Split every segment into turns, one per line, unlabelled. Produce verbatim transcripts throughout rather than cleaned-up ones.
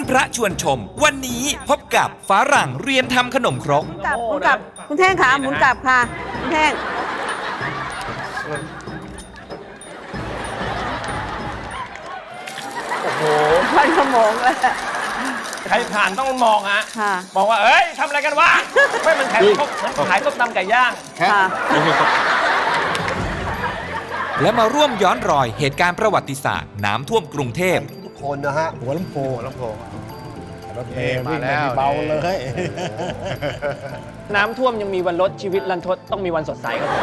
พระชวนชม วันนี้พบกับฝรั่งเรียนทำขนมครก
หมุนกลับหมุนกลับคุณแท่งขาหมุนกลับค่ะคุณแท่ง
โอ้โห
ควันขโมงเลย
ใครผ่านต้องมองฮะ
ค่ะ
มองว่าเอ้ยทำอะไรกันวะไม่มันขายพวกมันขายต้มตำไก่ย่าง
ค่ะ
และมาร่วมย้อนรอยเหตุการณ์ประวัติศาสตร์น้ำท่วมกรุงเทพ
ทุกคนนะฮะหัวลำโพง
หัวลำโพง
รถเมล์วิ่งไม่มีเบาเลย
น้ำท่วมยังมีวันลดชีวิตรันทดต้องมีวันสดใสครับผม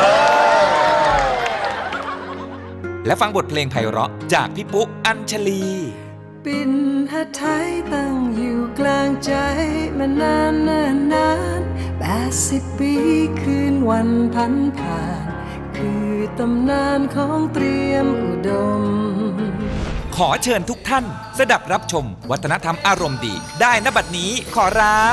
และฟังบทเพลงไพเราะจากพี่ปุ๊อัญชลี
ปิ่นหัดไทยตั้งอยู่กลางใจมานานนานนานแปดสิบปีคืนวันพันผ่านคือตำนานของเตรียมอุดม
ขอเชิญทุกท่านสดับรับชมวัฒนธรรมอารมณ์ดี ได้ณบัดนี้ขอรับ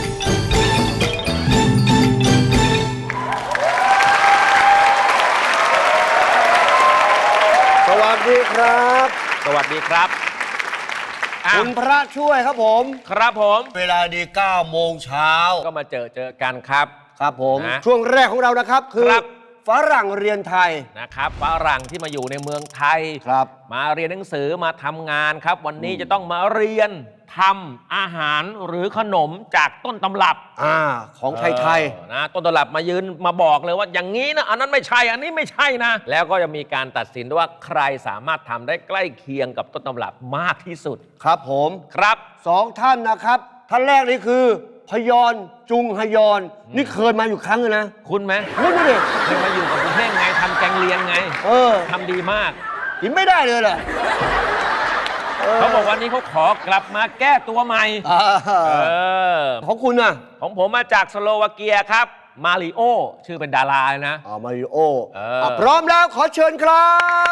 สวัสดีครับ
สวัสดีครับอ้าว
คุณพระช่วยครับผม
ครับผม
เวลาดีเก้าโมงเช้า
ก็มาเจอเจอกันครับ
ครับผม
นะ
ช่วงแรกของเรานะครับ คือ
ครับ
ฝรั่งเรียนไทย
นะครับฝรั่งที่มาอยู่ในเมืองไทย
ครับ
มาเรียนหนังสือมาทำงานครับ วันนี้จะต้องมาเรียนทำอาหารหรือขนมจากต้นตำรับ
อ่าของไทยไทย
เออนะต้นตำรับมายืนมาบอกเลยว่าอย่างนี้นะอันนั้นไม่ใช่อันนี้ไม่ใช่นะ แล้วก็จะมีการตัดสินว่าใครสามารถทำได้ใกล้เคียงกับต้นตำรับมากที่สุด
ครับผม
ครับ
สองท่านนะครับท่านแรกนี่คือพยอนจุงฮยอน นี่เคยมาอยู่ครั้งนึงนะ
คุณไหม
คุณดูดิ
เคยมาอยู่กับคุณเพ่งไงทำแกงเลียงไง
เออ
ทำดีมาก
กินไม่ได้เลยแหละ
เขาบอกวันนี้เขาขอกลับมาแก้ตัวใหม่
อ่า
เออ
ของคุณน่ะ
ของผมมาจากสโลวาเกียครับ มาริโอ ชื่อเป็นดาราเลยนะ
อ่ามาริโอ
เอออ่
ะพร้อมแล้วขอเชิญครับ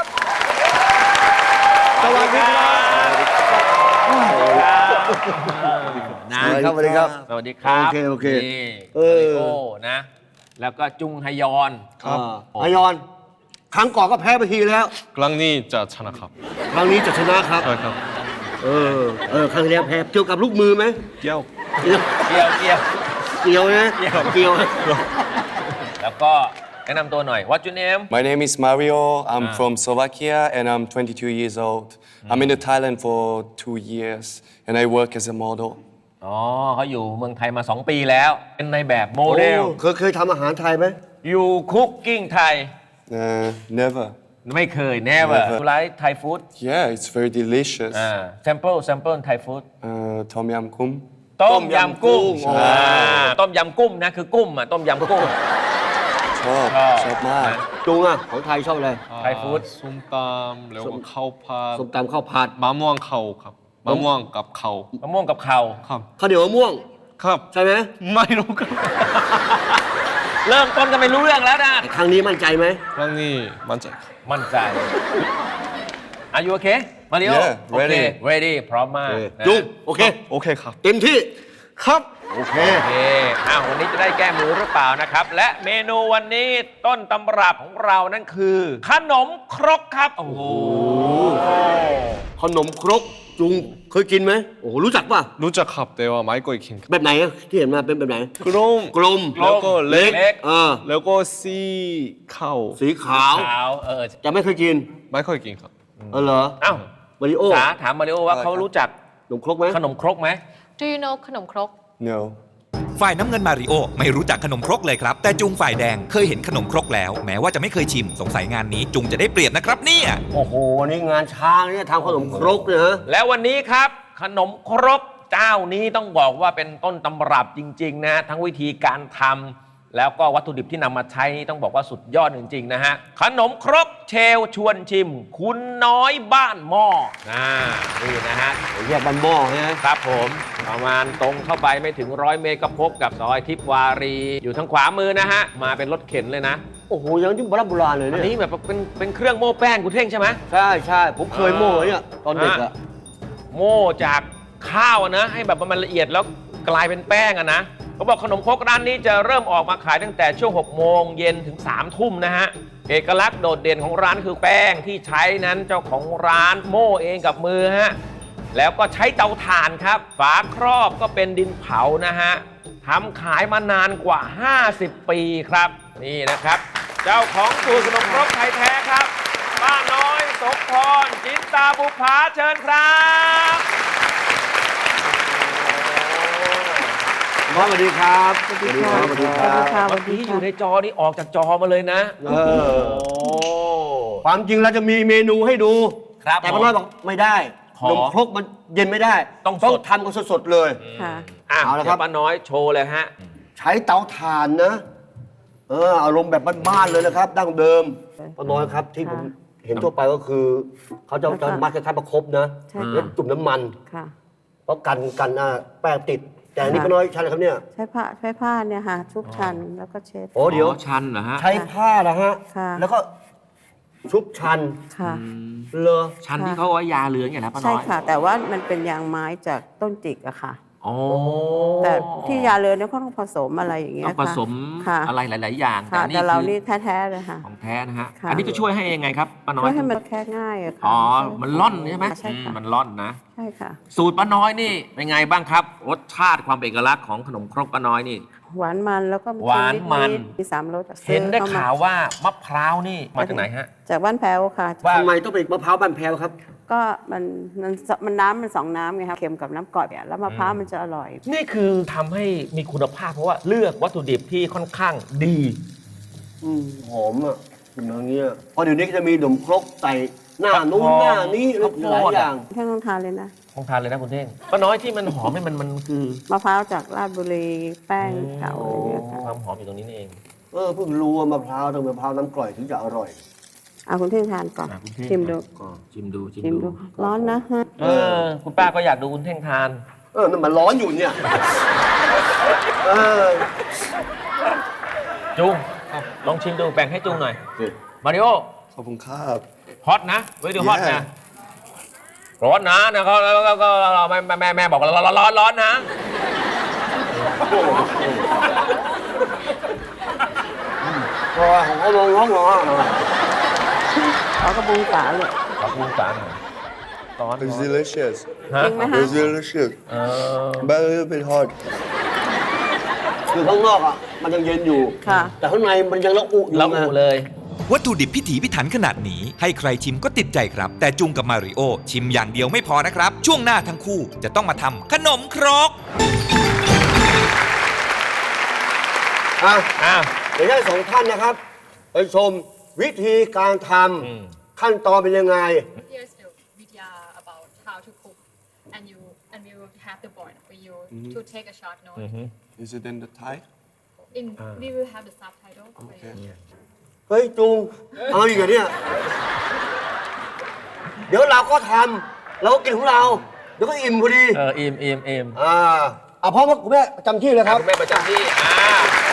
สวัสดีครับ
สวัสดีครับนะ
สวัสดีครับสวัสดีครับ
สวัสดีครับ
โอเคโอเค
นี่
เออ
มาริโอนะ แล้วก็จุงฮยอน
อ่าฮยอน ครั้งก่อนก็แพ้ไปทีแล้ว
ครั้งนี้จะชนะครับ
ครั้งนี้จะชนะครับ
ใช่ครับ
เออ เออ ครั้งที่แล้วแพ้เกี่ยวกับลูกมือไหม
เกี้ยว
เกี่ยว
เกี่ยวเกี่ยว
เกี่ยวนะ
เกี่ยว
เกี่ยว
แล้วก็แนะนำตัวหน่อย What's your name
My name is Mario. I'm
Ah.
from Slovakia and I'm twenty-two years old. I'm in Thailand for two years and I work as a model.
อ๋อเขาอยู่เมืองไทยมา สอง ปีแล้ว เป็นในแบบโมเดล
โอ้เคยเคยทำอาหารไทยไหม
อยู่คุกกิ้งไทย
Uh, never.
ไม่เคย never
Never.
you like Thai food
Yeah, it's very delicious.
อ่า sample sample Thai food
Uh, Tom Yam Kum.
ต้มยำกุ้ง
อ๋อ
อ่าต้มยำกุ้งนะคือกุ้งอ่ะต้มยำกุ้ง
Chop,
Oh.
chop mad.
จุงอ่ะ ของไทยชอบอะไร
ไทยฟู้ด
ส้มตำแล้วก็ข้าวผัด
ส้มตำข้าวผัด
มะม่วงเขาครับมะม่วงกับเขา
มะม่วงกับข่าว
ครับ
ข้าวเหนียวมะม่วง
ครับ
ใช่ไหม
ไม่รู้ครับ
เริ่มต้นกันไม่รู้เรื่องแล้วนะ
ครั้งนี้มั่นใจไหม
ครั้งนี้มั่นใจครับ
มั่นใจ Are you okay มาริโอ
Yeah,
โอเค
ready
ready พร้อมมาก
โอเค
นะ
จุงโอเค
โอเคครับ
เต็มที่
ครับ
โอเค
โอเคอ้าววันนี้จะได้แก้มือหรือเปล่านะครับ และเมนูวันนี้ต้นตำรับของเรานั่นคือ ขนมครกครับ โอ้โห
ขนมครก จุงเคยกินไหม โอ้โห รู้จักป่ะ
รู้จักครับแต่ว่าไม่เคยกินครับ
แบบไหนอะที่เห็นมาเป็นแบบไหน
กลม
กลม
แล้วก็เล็ก
เล็ก
เออ
แล้วก็สีขาว
สีขาว
ขาวเออ
จะไม่เคยกิน
ไม่เคยกินครับ
เออเหรอ
อ้าว
มาริโอ
สาถามมาริโอว่าเขารู้จัก
ขนมครกไหม
ขนมครกไหม
Do you know ขนมครก
No.
ฝ่ายน้ำเงินมาริโอไม่รู้จักขนมครกเลยครับ แต่จุงฝ่ายแดงเคยเห็นขนมครกแล้ว แม้ว่าจะไม่เคยชิมสงสัยงานนี้จุงจะได้เปรียบนะครับเนี่ย
โอ้โห นี่งานช้างเนี่ยทำขนมครกเนี่ยฮะ
แล้ววันนี้ครับ ขนมครกเจ้านี้ต้องบอกว่าเป็นต้นตำรับจริงๆนะทั้งวิธีการทำแล้วก็วัตถุดิบที่นำมาใช้นี่ต้องบอกว่าสุดยอดจริงๆนะฮะขนมครกเชลชวนชิม คุณน้อยบ้านหม้อนะนี่นะฮะ
แยกบันหม้อใช่ไหม
ครับผมประมาณตรงเข้าไปไม่ถึงร้อยเมตรก็พบกับซอยทิพวารี อยู่ทางขวามือนะฮะมาเป็นรถเข็นเลยนะ
โอ้โห ยังที่โบราณโบราณเลย
อัน
เนี่ย
นี้แบบเป็นเป็นเครื่องโม้แป้งคุณเท่งใช่ไหม
ใช่ใช่ผมเคยโม่เนี่ยตอนเด็กอะ
โม่จากข้าวอะนะให้แบบมันละเอียดแล้วกลายเป็นแป้งอะนะเขาบอกขนมครกร้านนี้จะเริ่มออกมาขายตั้งแต่ช่วงหกโมงเย็นถึงสามทุ่มนะฮะเอกลักษณ์โดดเด่นของร้านคือแป้งที่ใช้นั้นเจ้าของร้านโม่เองกับมือฮะแล้วก็ใช้เตาถ่านครับ ฝาครอบก็เป็นดินเผานะฮะทำขายมานานกว่า ห้าสิบ ปีครับ นี่นะครับ เจ้าของสูตรขนมครกไทยแท้ครับป้าน้อยสมพรจินตาบุภาเชิญครับ
น้องสวัสดีครับ
สวัสดีค่ะ
สวัสดีครับ
สวัสดีค่ะ
เมื่อกี้อยู่ในจอนี่ออกจากจอมาเลยนะ
เออ ความจริงเราจะมีเมนูให้ดู
ครับ
แต่ป้าน้อยบอกไม่ได้
ขอ
นมครกมันเย็นไม่ได้
ต้องสด
ทำกันสดๆเลย
ค่ะ
อ่ะ
เอาละครับ
เดี๋ยวป้าน้อยโชว์เลยฮะ
ใช้เตาถ่านนะ เอออารมณ์แบบบ้านๆเลยนะครับ ดั้งเดิมป้าน้อยครับที่ผมเห็นทั่วไปก็คือ เขาจะจะมัดคล้ายๆประคบนะ
ใช่
แล้ว
ค่ะ
จุ่มน้ำมัน
ค่ะ
เพราะกันกันอ่าแป้งติด แต่อันนี่
ค่ะ
ป้าน้อยใช่อะไรครับเนี่ย
ใช้ผ้าใช้ผ้าเนี่ยค่ะ ชุบชันแล้วก็เช็ด
โอ้เดี๋ยว
ชันเหรอฮะ
ใช้ผ้านะฮะ
ค่ะ
แล้วก็ชุบชัน
ค่ะ
เลอ
ชันที่เขาเอาไว้ยาเหลืองอย่างนะป้าน้
ใช่
อย
ค่ะ แต่ว่ามันเป็นยางไม้จากต้นจิกอะค่ะ
อ๋อ
แต่ที่ยาเรือนเนี่ยเขาต้องผสมอะไรอย่างเงี้ย
ต้องผสม
ค่ะ
อะไรหลาย ๆ อย่าง
ค่ะ
อัน
แต่เรา
คือ
นี่แท้ๆเลยค่ะ
ของแท้นะฮะ
ค่ะ
อันนี้จะช่วยให้ยังไงครับป้าน้อ
ช่วย ยให้มันแค่ง่ายอะค่ะ
อ๋อ มันล่อนใช่ไหม
ใช่ค่ะ
อืมมันล่อนนะ
ใช่ค่ะ
สูตรป้าน้อยนี่เป็นไงบ้างครับ รสชาติความเป็นเอกลักษณ์ของขนมครกป้าน้อยนี่
หวานมันแล้วก็
หวานมัน
มีสามรสอะ
เห็นได้
ซื้อข้ม
ข่าวว่ามะพร้าวนี่มาจากไหนฮะ
จากบ้านแพ้วค่ะ
ทำไมต้องเป็นมะพร้าวบ้านแพรวครับ
ก็มันมันมันน้ำมันสองน้ำไงครับเค็มกับน้ำกร่อยอะแล้วมะพร้าวมันจะอร่อย
นี่คือทำให้มีคุณภาพเพราะว่าเลือกวัตถุดิบที่ค่อนข้างดี
อืมหอมอ่ะกินอย่างเงี้ยเพราะเดี๋ยวนี้ก็จะมีขนมครกใส่หน้านู้น
ข้าวโพด
หน้านี้ห
ข้าวโพด
ลายอย่าง
แค่ต้องทานเลยนะ
ของทานเลยนะคุณเท่งป้าน้อยที่มันหอมนี่มันมันคือ
มะพร้าวจากราชบุรีแป้งเก่าอะไรเงี้ยค่ะ
ความหอมอยู่ตรงนี้นี่เอง
เออเพิ่งรู้ว่ามะพร้าวต้องเป็นมะพร้าวน้ำกร่อยถึงจะอร่อย
เอาคุณเท่งทานก่อน
อ่ะคุณเท่ง
ชิมดู
ก็ชิมดูชิม
ชิม
ดู
ดูร้อนนะฮะ
เออ คุณป้าก็อยากดูคุณเท่งทาน
เออนั่นมันร้อนอยู่เนี่ยเออ
จุงลองชิมดูแบ่งให้จุงหน่อย มาริโอ
ขอบคุณครับ
ฮอตนะไว้ดูฮอต
Yeah
นะร้อนนะนะเขาแล้วก็แม่แม่แม่บอกร้อนร้อนร้อนนะ
เพราะว่าของเขาลงร้องร้อน
เขากระบุงฝาเลย
ขอบคุณสารร้อน
It's delicious
ฮะ
จริงไหมฮะ
It's delicious
เออ
but a little bit hot
คือข้างนอกอ่ะมันยังเย็นอยู่
ค่ะ
แต่ข้างในมันยังละอุอยู่
แล้ว
ไง
อูเลย
วัตถุดิบพิถีพิถันขนาดนี้ ให้ใครชิมก็ติดใจครับ แต่จุงกับมาริโอชิมอย่างเดียวไม่พอนะครับ ช่วงหน้าทั้งคู่จะต้องมาทำขนมครก
อ่ะ
อ้าว
เดี๋ยวให้สองท่านนะครับ ไปชมวิธีการท
อืม
ำขั้นตอนเป็นยังไง
Here's the video about how to cook, and you and we will have the board for you to take a short note.
Is it in the Thai
In we will have the subtitle for
Okay
you.
เฮ้ยจุง เอาอีกเหรอเนี่ย เดี๋ยวเราก็ทำเราก็กินของเรา เดี๋ยวก็อิ่มพอดี
เออเอ็มเอ็มเอ็ม
อ่าเอาพร้อมกับคุณแม่ประจำที่เลยครับ
คุณแม่ประจำที่อ่า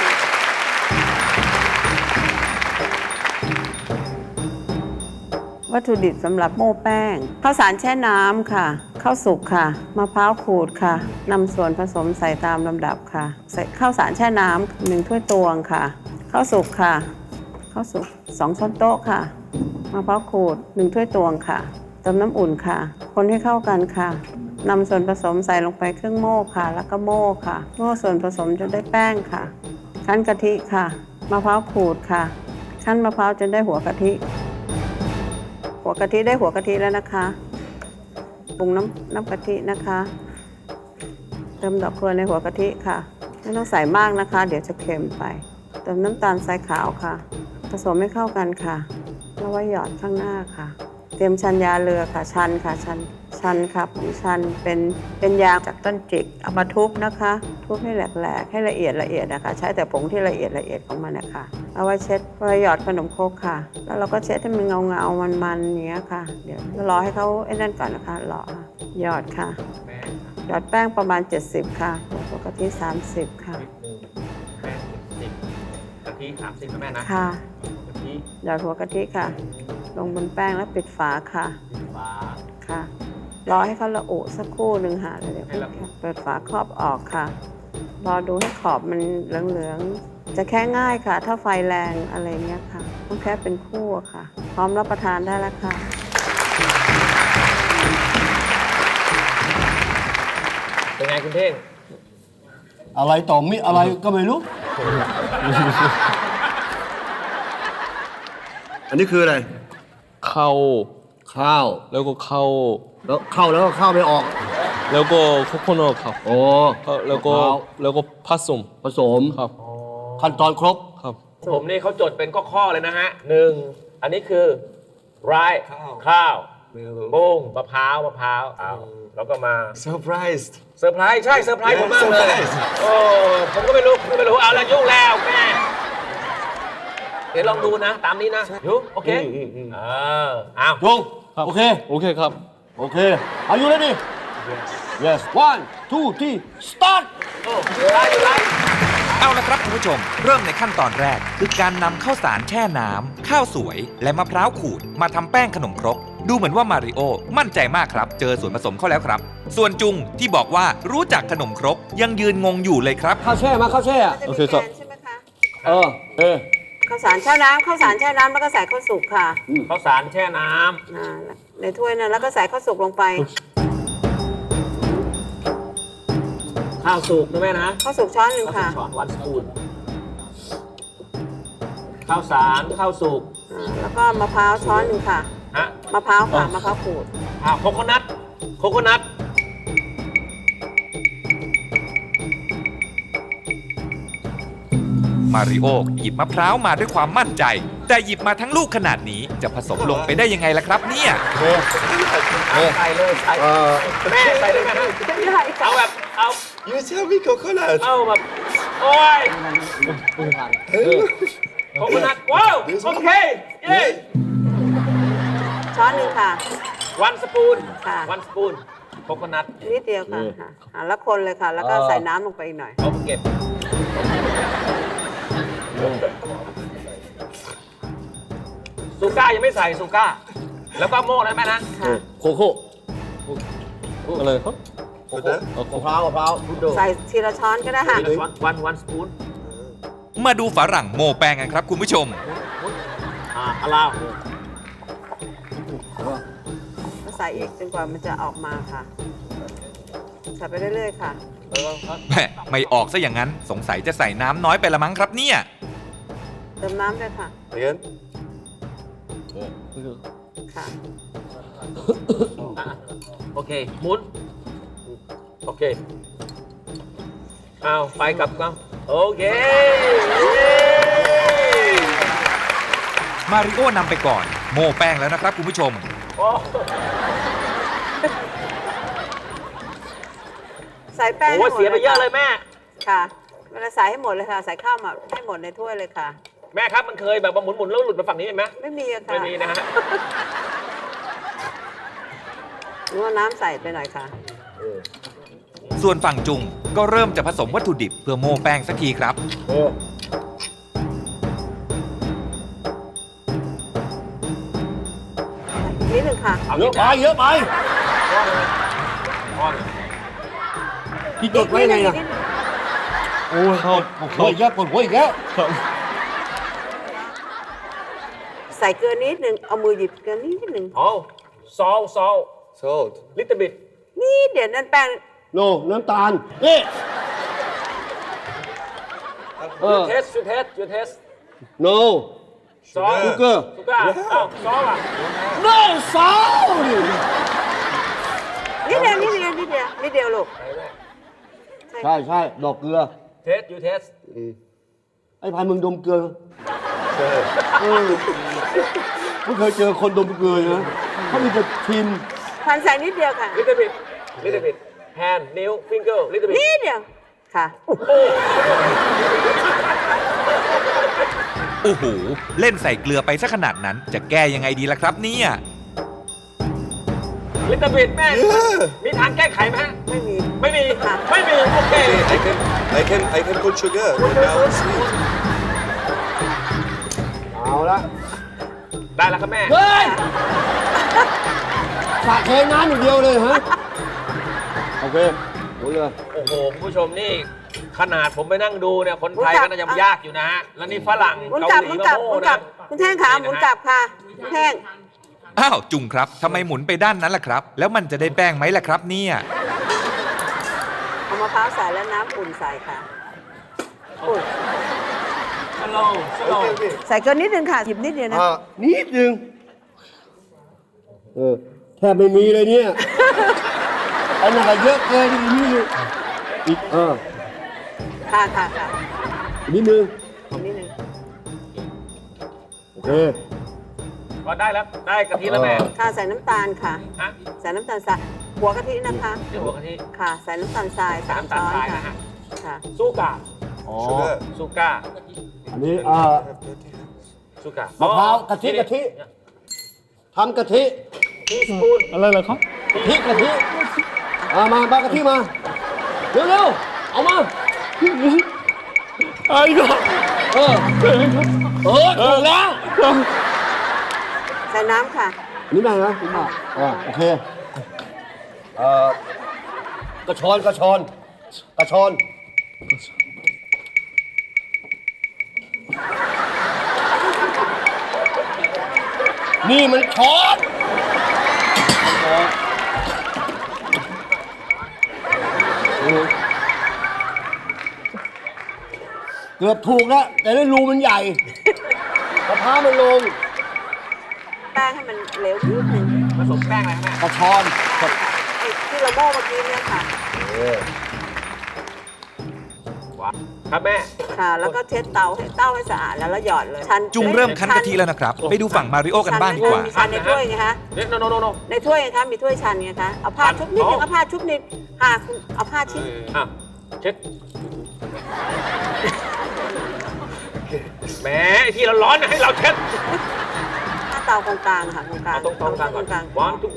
วัตถุดิบสำหรับโม่แป้งข้าวสารแช่น้ำค่ะข้าวสุกค่ะมะพร้าวขูดค่ะนำส่วนผสมใส่ตามลำดับค่ะใส่ข้าวสารแช่น้ำหนึ่งถ้วยตวงค่ะข้าวสุกค่ะข้าวสุกสองช้อนโต๊ะค่ะมะพร้าวขูดหนึ่งถ้วยตวงค่ะเติมน้ำอุ่นค่ะ คนให้เข้ากันค่ะนำส่วนผสมใส่ลงไปครึ่งโม่ค่ะ แล้วก็โม่ค่ะโม่ส่วนผสมจนได้แป้งค่ะคั้นกะทิค่ะมะพร้าวขูดค่ะคั้นมะพร้าวจนได้หัวกะทิ หัวกะทิได้หัวกะทิแล้วนะคะปรุงน้ำน้ำกะทินะคะ เติมดอกเกลือในหัวกะทิค่ะ ไม่ต้องใส่มากนะคะ เดี๋ยวจะเค็มไป เติมน้ำตาลทรายขาวค่ะ ผสมให้เข้ากันค่ะ แล้วไว้หยอดข้างหน้าค่ะ เตรียมชันยาเรือค่ะชันค่ะชันชันค่ะผงชันเป็นเป็นยางจากต้นจิกเอามาทุบนะคะ ทุบให้แหลกๆให้ละเอียดละเอียดนะคะ ใช้แต่ผงที่ละเอียดละเอียดของมันนะคะเอาไว้เช็ดไว้หยอดขนมโครกค่ะ แล้วเราก็เช็ดให้มันเงาเงาๆมันๆอย่างเงี้ยค่ะเดี๋ยวรอให้เขาไอ้นั่นก่อนนะคะรอค่ะหยอดค่ะหยอดแป้งประมาณเจ็ดสิบค่ะหัวกะทิสามสิบค่ะ
แป้งสิบกะทิสามสิบนะแม่นะ
ค่ะ
กะทิ
หยอดหัวกะทิค่ะ ลงบนแป้งแล้วปิดฝาค่ะ
ฟ้า
ค่ะ รอให้เขาละอุสักครู่หนึ่งค่ะแล้วเดี๋ยว
ให้ละอุ
เปิดฝาครอบออกค่ะ รอดูให้ขอบมันเหลืองๆ จะแค่ง่ายค่ะ ถ้าไฟแรงอะไรเงี้ยค่ะ ต้องแค่เป็นคู่อะค่ะ พร้อมรับประทานได้แล้วค่ะ
เป็นไงคุณเท่ง
อะไรต่อมิอะไรก็ไม่รู้ อันนี้คืออะไร
เข้า
ข้าว
แล้วก็เข้า
แล้วเข้าแล้วก็เข้าไม่ออก
แล้วก็โคโคนัทครับ
โอ้
เข้าแล้วก็
มะพร้าว
แล้วก็ผสม
ผสม
ครับ
ขั้นตอนครบ
ครับ
ผมนี่เขาจดเป็นข้อๆเลยนะฮะหนึ่งอันนี้คือไรข้าวบุ้งมะพร้าวมะพร้าวเอาแล้วก็มา
Surprised.
เซอร์ไพรส์ใช่เซอร์ไพรส์ผมมากเลย
Surprise
โอ้ผมก็ไม่รู้ผมก็ไม่รู้เอาละยุ่งแล้วแม่เดี๋ยวลองดูนะ ตามนี้นะยุโอเคเออเอา
ลง
ครับ
โอเค
โอเคครับ
โอเค Are you ready Yes one two three start
โอ้อยู่ไรอยู่ไร
เอาละครับคุณผู้ชม เริ่มในขั้นตอนแรก คือการนำข้าวสารแช่น้ำข้าวสวย และมะพร้าวขูดมาทำแป้งขนมครกดูเหมือนว่ามาริโอมั่นใจมากครับ เจอส่วนผสมเข้าแล้วครับ ส่วนจุงที่บอกว่ารู้จักขนมครกยังยืนงงอยู่เลยครับ
ข้าวแช่มาข้าวแช่อะ
โอเคครับ
ใช่ไหมคะ
เออเออ
ข้าวสารแช่น้ำข้าวสารแช่น้ำแล้วก็ใส่ข้าวสุกค่ะ
ข้าวสารแช่น้
อ่าในถ้วยนั้นแล้วก็ใส่ข้าวสุกลงไป
ำข้าวสุกนะแม่นะ
ข้าวสุกช้อนหนึ่ง
ข้าว
ค่ะ
สุกช้อนวันสปูนข้าวสารข้าวสุก
อ่าแล้วก็มะพร้าวช้อนหนึ่งค่ะ
ฮะ
มะพร้าวค่ะมะพร้าวขูด
อ่าโคโคนัทโคโคนัท
มาริโอหยิบมะพร้าวมาด้วยความมั่นใจ แต่หยิบมาทั้งลูกขนาดนี้จะผสมลงไปได้ยังไงล่ะครับเนี่ย
ใส่เลยใส่
เออ
แม่ใส่เลยนะ
ได้ค่ะ
เอาแบบเอา
You tell me coconut.
เอาแบบโอ้ยโคโคนัทว้าวโอเคเย้
ช้อนหนึ่งค่ะ
วันสปูน
ค่ะ
วันสปูนโคโคนัท
นิดเดียวค่ะค่ะอ่าแล้วคนเลยค่ะ แล้วก็ใส่น้ำลงไปอีกหน่อย
เอาเก็บซูก้ายังไม่ใส่ซูก้า แล้วก็โม่นะแม่นะ
ค่ะ
โคโค่
อะไรครับ
Coconut?
มะพร้าวมะพร้าวพุดโด
ใส่ทีละช้อนก็ได้ค่ะ
วันวันสปูน
มาดูฝรั่งโมแป้งกันครับคุณผู้ชม
อ่าอลาว
ก็ใส่อีกจนกว่ามันจะออกมาค่ะ ใส่ไปเรื่อยๆค่ะ
เออครับ
แหม่ไม่ออกซะอย่างนั้นสงสัยจะใส่น้ำน้อยไปละมั้งครับเนี่ย
เติมน้ำด้วยค่ะ
Again?
ค่ะ
อ่ะโอเคหมุน โอเคเอาไปกลับกันโอเคเย้
มาริโอนำไปก่อน โมแป้งแล้วนะครับคุณผู้ชม
โอ้
ใส่แป้ง
โหเสียไปเยอะเลยแม่
ค่ะ เวลาใส่ให้หมดเลยค่ะ ใส่ข้าวมาให้หมดในถ้วยเลยค่ะ
แม่ครับมันเคยแบบว่าหมุนๆแล้วหลุดไปฝั่งนี้ไหม
ไม่มีอะค่ะ
ไม่มีนะฮะ
นวดน้ำใส่ไปหน่อยค่ะ
ส่วนฝั่งจุงก็เริ่มจะผสมวัตถุดิบเพื่อโมแป้งสักทีครับ
นิดหนึ่งค่ะ
เอา
เยอะไปเยอะไป
ก้อน
ที่จดไว้ไงล่ะ
โอ้ยครับ
ปวดหัวอีกแล้วปวดหัวอีกแล้ว
ครับ
ใส่เกลือนิดหนึ่งเอามือหยิบเกลือนิดหนึ่ง
อ๋อซอลซอล
Salt.
ลิตเติ้ลบิด
นี่เดี๋ยวนั่นแป้ง
โนน้ำตาลนี่เอ
ยู
อ
เทสยูเทสยูเทส
โน
ซอล
ชูเกอร์
สุก้าอ้าวซอลอ่ะ
โนซอล
นิดเดียวนิดเดียวนิดเดียวนิดเดียวลูก
ใช่ใช่ดอกเกลือ
เทสยูเทส
ไอ้พายมึงดมเกลือเออไม่เคยเจอคนดมเกลือนะเขามีแต่ชิม
พันใส่นิดเดียวค่ะ
ลิตเติ้ลบิดลิตเติ้ลบิดแฮนด์นิ้วฟิงเกอร์ลิตเติ้ลบิด
นิดเดียวค่ะ
โอ้โห เล่นใส่เกลือไปซะขนาดนั้น จะแก้ยังไงดีล่ะครับเนี่ย
ลิตเติ้ลบิดแม่มีทางแก้ไขไหมฮะ
ไม่มี
ไม่มี
ค่ะ
ไม่มี โอเค
I can, I can, I can put sugar. Now it's sweet.
เอาละ
ได้แล้วครับแม่
เฮ้ยสาเทน้ำอย่างเดียวเลยฮะโอเคหมดเลย
โอ้โหคุณผู้ชมนี่ขนาดผมไปนั่งดูเนี่ย คนไทย
หมุนกลั
ก็
บ
น่าจะยากอยู่นะฮะ แล้วนี่ฝรั่ง
หมุน
เกาก
ลับ
ห
ห
ลี
มุน
ก็
กลับห
โม่
มุนก
นะ
ลับคุณแท่งขาหมุนกลับค่ะคุณแท่ง
อ้าวจุงครับทำไมหมุนไปด้านนั้นล่ะครับ แล้วมันจะได้แป้งไหมล่ะครับเนี่ย
พร้าวใส่และน้ำอุ่นใส่ค่ะอุ่น
สโลว์สโลว์
ใส่เกินนิดนึงค่ะหยิบนิดเดียวนะ
อ่านิดนึงเออแทบไม่มีเลยเนี่ย อันนั้นก็เยอะเกินอีกนิดนึงอีกเออ
ค่ะค่ะค่ะ
อีกนิดนึง
อีกนิดนึง
โอเค
ก็ได้แล้ว ได้กะทิแล้วแม่
ค่ะใส่น้ำตาลค่ะ
ฮะ
ใส่น้ำตาลทรายหัวกะทินะคะ
เดี๋ยวหัวกะทิ
ค่ะ ใส่น้ำตาลทรายสาม
น้ำตา
ช้
ล
อน
ทราย
ค่ะ
นะฮะ
ค่ะ
ซูกา
อ๋อ
ซูก้า
อันนี้อ่า
ซูก้าม
ะพร้าวกะทิกะทิทำกะทิ
ทีสปูน
อะไรเหรอครับ
กะทิกะทิเอามาบ้ากะทิมา เร็วๆ เอามา
ไอ้ก็
เออ เออถูกแล้ว
ใส่น้ำค่ะ
อันนี้ได้ไหมคุณป้าอ่าโอเค เอ่อกระชอนกระชอนกระชอน นี่มันช้อนเกือบถูกแล้ว แต่ได้รูมันใหญ่มะพร้าวมันลง
แป้งให้มันเหลวนิดนึง
ผสมแป้งอะไรครับแม่
กระชอน
ไอ้ที่เราโม่เมื่อกี้เนี่ยค่ะ
ว้าวครับแม่
ค่ะ แล้วก็เช็ดเตาให้เต้าให้สะอาดแล้วแล้วหยอดเลยชัน
จุงเริ่มคั้นกะทิแล้วนะครับ ไปดูฝั่งมาริโอกันบ้างดีกว่า
ชันในถ้วยไงคะ
เด็กโนโนโนโน
ในถ้วยไงคะมีถ้วยชันไงคะ เอาผ้าชุบนิดนึงเอาผ้าชุบนิดค่ะคุณเอาผ้าชิ้น
อ่ะเช็ดแหมไอ้ที่เราร้อนน่ะให้เราเช็ด
ผ้าเตาตรงกลางค่ะตรงกลาง
เอาตรงตรงกลางก่อน
ตรงกลาง
วางทุก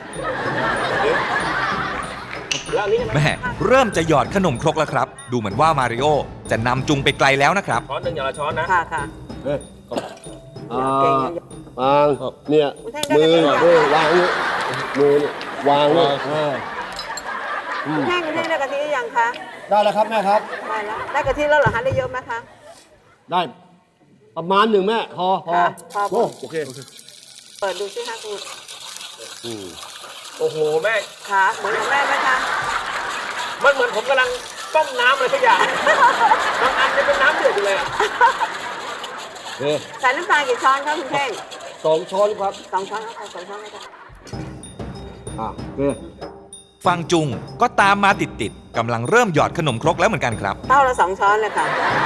แล้วอันนี้ใช่ไหม
แม่เริ่มจะหยอดขนมครกแล้วครับ ดูเหมือนว่ามาริโอจะนำจุงไปไกลแล้วนะครับ
ช้อนหนึ่งอย่างละช้อนนะ
ค่ะค่ะ
เฮ้ยอ่า
เก่ง
วางเนี่ย
คุณแท่ง
มื
ได้
อ
ไหม
เออวางนี่มือนี่วางนี่อ่า
คุณแท่งคุณแท่งได้กะทิหรือยังคะ
ได้แล้วครับแม่ครับ
ได้แล้วได้กะทิแล้วเหรอคะได้เยอะไหมคะ
ได้ประมาณหนึ่งแม่ พอพอ
ค่ะพอ
โอ้โอเค
เปิดดูสิคะคุณ
อืม
โอ้โหแม่
ขาเหมือนของแม่ไหมคะ
มันเหมือนผมกำลังต้มน้ำอะไรสักอย่างบางอันจะเป็นน้ำเดือดอยู่เลยอะ
โอเค
ใส่น้ำตาลกี่ช้อนคะคุณแท่ง
สองช้อนครับ
สองช้อนเอาค่ะสองช้อนเอาค่ะ
อ่าโอเค
ฟังจุงก็ตามมาติดๆกำลังเริ่มหยอดขนมครกแล้วเหมือนกันครับ
เต้าละสองช้อนเลยค่ะ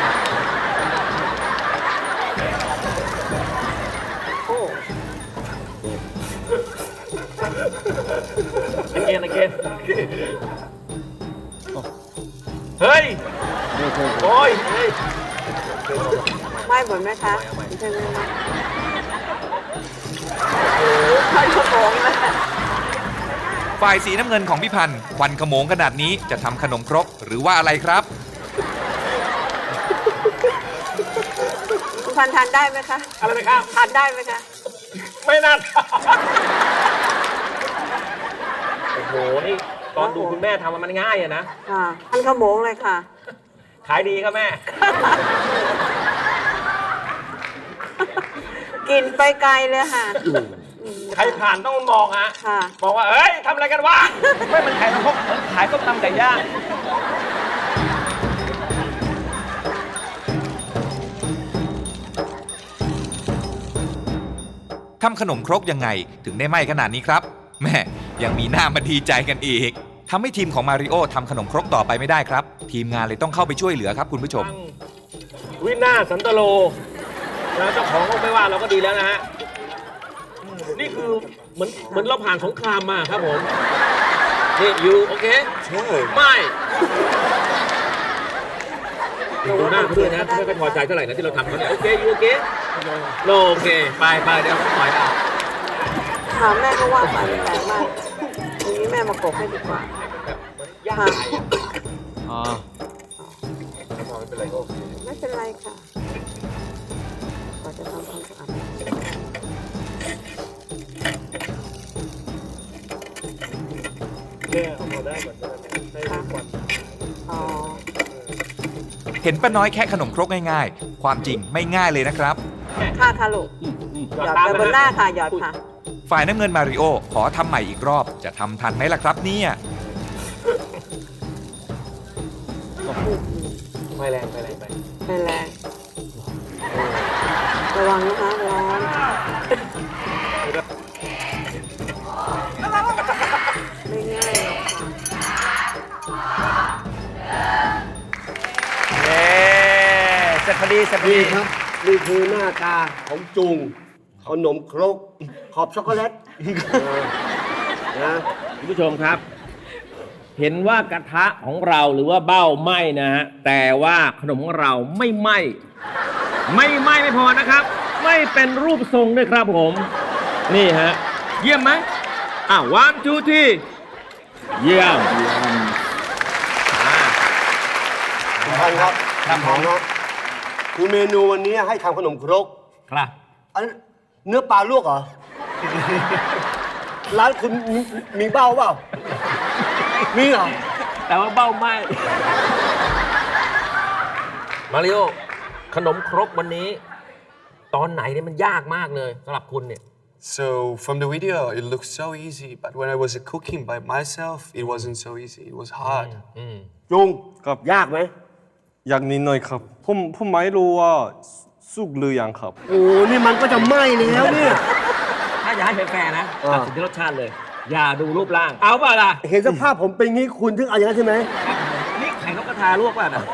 โอ้
อเกนอเกนเฮ้ย โอ้ยเฮ้ย
ไม่หมดไหมคะคุณแท่งไม่ไหมโอ้โหควันขโมงเลย
ฝ่ายสีน้ำเงินของพี่พันธ์ควันขโมงขนาดนี้จะทำขนมครกหรือว่าอะไรครับ
คุณพันทานได้ไหมคะ
อะไรนะครับ
ทานได้ไหมคะ
ไม่น่าทำโอ้โห นี่ตอนดูคุณแม่ทำมันง่ายอะนะ
ค่ะพันขโมงเลยค่ะ
ขายดีครับแม่
กินไปไกลเลยค่ะ
ใครผ่านต้องมองฮะ
ค่ะ
บอกว่า เอ้ยทำอะไรกันวะ ไม่มันขายพวกขายต้มตำไก่ย่าง
ทำขนมครกยังไงถึงได้ไหม้ขนาดนี้ครับ แม่ยังมีหน้ามาดีใจกันอีกทำให้ทีมของมาริโอทำขนมครกต่อไปไม่ได้ครับ ทีมงานเลยต้องเข้าไปช่วยเหลือครับคุณผู้ชม
วินาศสันตโลนะเจ้าของก็ไม่ว่าเราก็ดีแล้วนะฮะ นี่คือเหมือนเหมือนเราผ่านสงครามมาครับผม นี่อยู่โอเคใช่ไม่ดูหน้าเขาด้วยนะเขาไม่ค่อยพอใจเท่าไหร่นะที่เราทำเขาเนี่ยโอเคอยู่โอเคโนโอเคไปไปเดี๋ยวปล่อยเอา
ถามแม่ก็ว่าไปแปลกมากทีนี้แม่มากบให้ดีกว่า
ย่าง
ค่ะ
ไก่อะ
อ่า
ไม่เป็นไรก็โอเค
ไม่เป็นไรค่ะก็จะทำความสะอาด
แม่เอามาได้เหมือนกันให้ควัน
อ๋อ
เห็นป้าน้อยแค่ขนมครกง่ายๆ ความจริงไม่ง่ายเลยนะครับ
ค่ะค่ะลูกหยอดไปบนหน้าค่ะหยอดค่ะ
ฝ่ายน้ำเงินมาริโอขอทำใหม่อีกรอบจะทำทันไหมล่ะครับเนี่ย
ไม่แรงไม่แรงไป
ไม่แรง ระวังนะคะร้อน ไม่ง่ายหรอกค่ะ
เย้เสร็จพอดีเสร็จพอ
นี่
ดี
ครับ นี่คือหน้าตาของจุงขนมครกขอบช็อกโกแลตเออนะ
คุณผู้ชมครับ เห็นว่ากระทะของเราหรือว่าเบ้าไหม้นะฮะแต่ว่าขนมของเราไม่ไหม้ไม่ไหม้ไม่พอนะครับ ไม่เป็นรูปทรงด้วยครับผม นี่ฮะเยี่ยมไหมอ่ะ one two three เยี่ยมอ่า
คุณพันครับ
ครับผม
ครับคือเมนูวันนี้ให้ทำขนมครก
ครับ
อันเนื้อปลาลวกเหรอ ร้านคุณมีมีเบ้าเปล่า มีเหรอ
แต่ว่าเบ้าไหม้มาริโอขนมครกวันนี้ ตอนไหนเนี่ยมันยากมากเลยสำหรับคุณเนี่ย
So from the video, it looks so easy, but when I was cooking by myself, it wasn't so easy. It was hard.
จุง
ครับ
ยากไหม
อยากนิดหน่อยครับผมผมไม่รู้ว่าสุกหรือยังครับ
โอ้นี่มันก็จะไหม้แล้วเนี่ย
ถ้าอยากให้แฟร์ๆนะ
อ่า
ตัดสินที่รสชาติเลย อย่าดูรูปร่าง เอาเปล่าล่ะ
เห็นสภาพผมเป็นงี้คุณถึงเอาอย่างนั้นใช่ไหม
นี่ไข่นกกระทาลวกเปล่านะ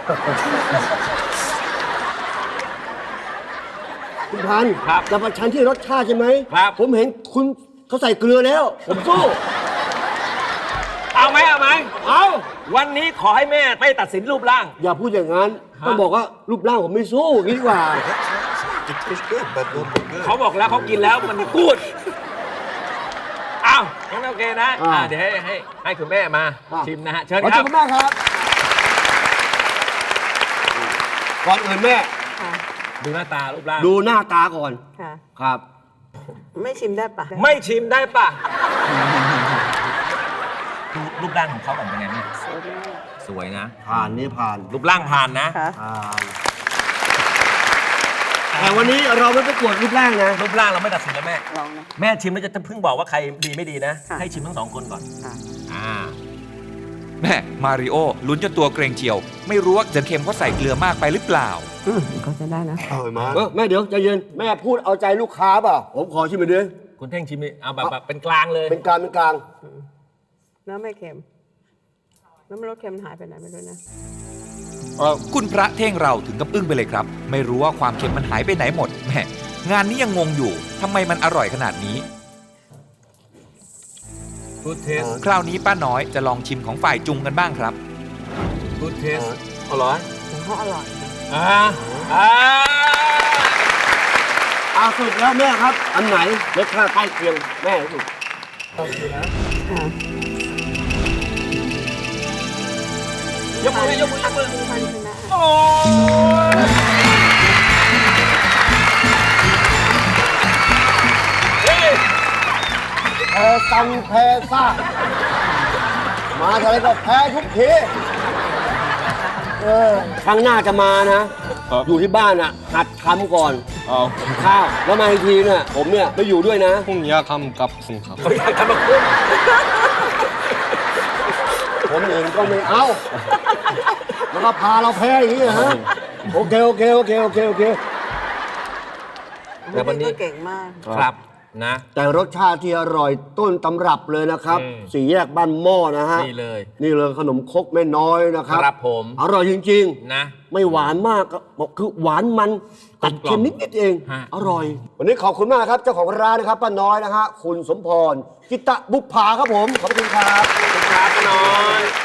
คุณพันธุ์
ครับ
จะประชันที่รสชาติใช่ไหม
ครับ
ผมเห็นคุณเขาใส่เกลือแล้ว ผมสู้
เอาไหมเอาไหมเอา วันนี้ขอให้แม่ไม่ตัดสินรูปร่าง
อย่าพูดอย่างนั้น
ฮะ
ต้องบอกว่ารูปร่างผมไม่สู้อย่างนี้ดีกว่า
It tastes good, but not good.
เขาบอกแล้วเขากินแล้วมันกูดอ้าวงั้นโอเคนะ
อ่า
อ่าเดี๋ยวให้ให้ให้คุณแม่มา
อ่า
ชิมนะฮะ เชิญ
ขอ
ค
เชิ
รั
ญ
บ
คุณแม่ครับ ก่อนอื่นแม่
ค่ะ
ดูหน้าตารูปร่าง
ดูหน้าตาก่อน
ค่ะ
ครับ
ไม่ชิมได้ปะ
ไม่ชิมได้ปะดูรูปร่างของเขาก่อนเป็นไงแม่
สวยมาก
สวยนะ
ผ่านนี่ผ่าน
รูปร่างผ่านนะ
ค่ะ
ผ่านแต่วันนี้เราไม่ประกวดรูปร่างนะ
รูปร่างเราไม่ตัดสินแล้วแม่
ลองนะ
แม่ชิมแล้วจะเพิ่งบอกว่าใครดีไม่ดีนะ
ค่ะ
ให้ชิมทั้งสองคนก่อน
ค่ะ
อ่า
แม่มาริโอลุ้นจนตัวเกรงเจียว ไม่รู้ว่าจะเค็มเพราะใส่เกลือมากไปหรือเปล่า
อืมก็จะได้นะ
อร่อยมาก
เออแม่เดี๋ยวใจเย็น แม่พูดเอาใจลูกค้าเปล่า ผมขอชิมไปด้วย
คุณเท่งชิมดิเอาแบบแบบเป็นกลางเลย
เป็นกลางเป็นกลาง
เนื้อไม่เค็มแล้วมันรสเค็มหายไปไหนไม่รู้นะ
คุณพระเท่งเราถึงกับอึ้งไปเลยครับ ไม่รู้ว่าความเค็มมันหายไปไหนหมดแหมงานนี้ยังงงอยู่ทำไมมันอร่อยขนาดนี้
Good taste
คราวนี้ป้าน้อยจะลองชิมของฝ่ายจุงกันบ้างครับ
Good taste อร่อย
ของเขาอร่อยค่ะ
อ่าอ่า
อาสุดแล้วแม่ครับ อันไหนรสชาติใกล้เคียงแม่สุด
ค่ะ
ยกมือยกมือยกมือ
พันชนะ
โอ้ยเฮ้ย
แพ้ซังแพ้ซ่า มาทีไรก็แพ้ทุกทีเออครั้งหน้าจะมานะ
ครับ
อยู่ที่บ้านอ่ะ หัดทำก่อน
เอา
ข้าว แล้วมาอีกทีเนี่ยผมเนี่ยไม่อยู่ด้วยนะ
ผมอยากทำกับคุณครับ
เขาอยากทำมาคุ้ม
ผมเองก็ไม่เอา แล้วก็พาเราแพ้อย่างนี้นะฮะ โอเค โอเค โอเค โอเค โอเค
แต่วันนี้
ก็เก่งมาก
ครับนะ
แต่รสชาติที่อร่อยต้นตำรับเลยนะครับ
อืม
สี่แยกบ้านหม้อนะฮะ
นี่เลย
นี่เลยขนมครกแม่น้อยนะครับ
ครับผม
อร่อยจริง
นะ
ๆ ไม่หวานมากก็บอกคือหวานมันตัดเค็มนิดๆเอง
ฮะ
อร่อย วันนี้ขอบคุณมากครับ เจ้าของร้านนะครับป้าน้อยนะฮะคุณสมพรกิตะบุพภาครับผม ขอบคุณครับ
ครับน้อย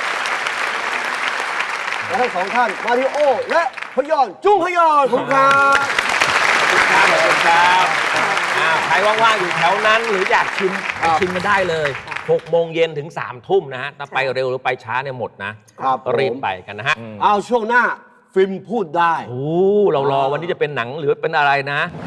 และทั้งสองท่านมาริโอ และพยอนจุ้งพยอนขอบคุณครับ
ครับขอบคุณครับอ่าใครว่างๆอยู่แถวนั้นหรืออยากชิมไปชิมกันได้เลยหกโมงเย็นถึงสามทุ่มนะฮะถ้าไปเร็วหรือไปช้าเนี่ยหมดนะครับ รีบ
ผม
ไปกันนะฮะ
เอาช่วงหน้าฟิล์มพูดได้
โอ้เรารอวันนี้จะเป็นหนังหรือเป็นอะไรนะ